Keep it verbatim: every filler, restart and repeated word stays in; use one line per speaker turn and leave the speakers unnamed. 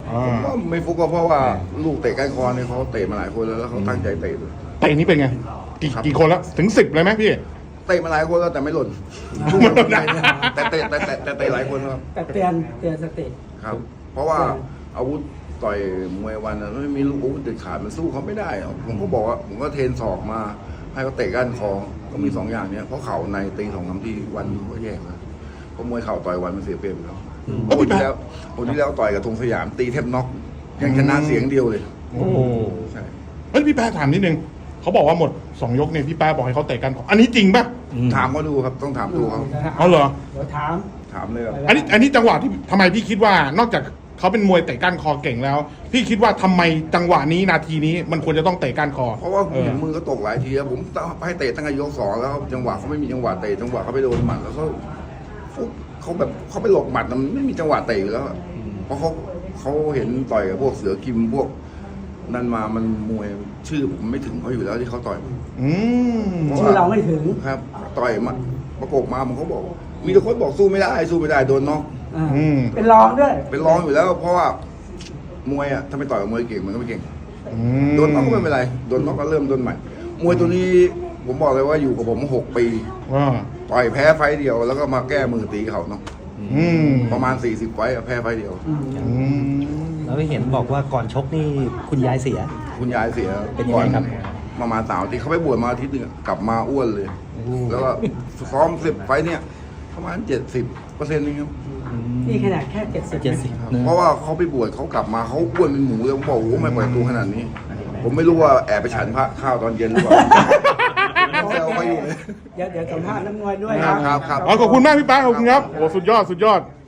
ผมก็ไม่ฟุกก็เพราะว่าลูกเตะก้านคอเนี่ยเขาเตะมาหลายคนแล้วแล้วเขาตั้งใจเตะเลย
เตะนี้เป็นไงกี่กี่คนแล้วถึงสิบเลยไหมพี่
เตะมาหลายคนแล้วแต่ไม่หล่นแต่เตะแต่แต่แต่เตะหลายคนครับ
แต่เตือนเตือนสติ
ครับ เพราะว่าอาวุธต่อยมวยวันนั้นไม่มีลูกอาวุธเด็ดขาดมันสู้เขาไม่ได้หรอกผมก็บอกว่าผมก็เทรนศอกมาให้เขาเตะก้านคอก็มีสองอย่างเนี้ยเพราะเข่าในตีสองคำที่วันอยู่ก็แย่ครับเพราะมวยเข่าต่อยวันมันเสียเปรียบครับเพราะคนที่แล้วคนที่แล้วต่อยกับธงสยามตีแทบน็อกยังชนะเสียงเดียวเลย
โอ้
ใช่
เฮ้ยพี่แป๊ะถามนิดนึงเขาบอกว่าหมดสองยกเนี่ยพี่แป๊ะบอกให้เขาเตะกันอันนี้จริงป่ะ
ถามเขาดูครับต้องถามดูเขา
เอาเหรอ
เดี๋ยวถาม
ถามเลยครับ
อันนี้อันนี้จังหวะที่ทำไมพี่คิดว่านอกจากเขาเป็นมวยเตะก้านคอเก่งแล้ว พี่คิดว่าทำไมจังหวะนี้นาทีนี้มันควรจะต้องเตะก้านคอ
เพราะว่า
เออ
เห็นมือเขาตกหลายทีแล้วผมให้เตะตั้งแต่ยกสองแล้วจังหวะเขาไม่มีจังหวะเตะจังหวะเขาไปโดนหมัดแล้วเขาฟุบเขาแบบเขาไปหลบหมัดมันไม่มีจังหวะเตะอยู่แล้วอะเพราะเขาเขาเห็นต่อยกับพวกเสือกิมพวกนั่นมามันมวยชื่อผมไม่ถึงเขาอยู่แล้วที่เขาต่อยผม
อืม
ชื่อเราไม่ถึง
ครับ ต่อยมาประกบมาผมเขาบอก มีแต่คนบอกสู้ไม่ได้สู้ไม่ได้โดนน็อก
อ่า
อืม
เป็นรองด้วย
เป็นรองอยู่แล้ว เพราะว่ามวยอ่ะถ้าไม่ต่อยกับมวยเก่งมันก็ไม่เก่ง
อืม
โดนน็อกก็ไม่เป็นไรโดนน็อกก็เริ่มต้นใหม่ มวยตัวนี้ผมบอกเลยว่าอยู่กับผมหกปี
ว่า
ต่อยแพ้ไฟต์เดียวแล้วก็มาแก้มือตีเขาเนาะ
อืม
ประมาณสี่สิบไฟต์อะแพ้ไฟต์เดียว
อืม
อืม
แล้วเห็นบอกว่าก่อนชกนี่คุณยายเสีย
คุณยายเสีย
เป็นยังไงครับ
ประมาณสามอาทิตย์เขาไปบวชมาอาทิตย์หนึงอะกลับมาอ้วนเลย แล้วก็ซ้อมสิบไฟต์เนี่ยประมาณเจ็ดสิบเปอร์เซ็นต์นึงครับ
นี่ขนาดแค่เจ็ดสิบ
เจ็ดสิบ
เพราะว่าเขาไปบวชเขากลับมาเขาอ้วนเป็นหมูเลยผมบอกโอ้โหไม่ปล่อยตัวขนาดนี้ ผมไม่รู้ว่าแอบไปฉันพระข้าวตอนเย็นหรือเปล่าแซวเขาอยู่เลย
เดี๋ยวเดี๋ยวสัมภาษณ์น้ำมวยด้วย
ครับครับครับ
อ๋อขอบคุณมากพี่แป๊ะขอบคุณครับโอ้สุดยอดสุดยอด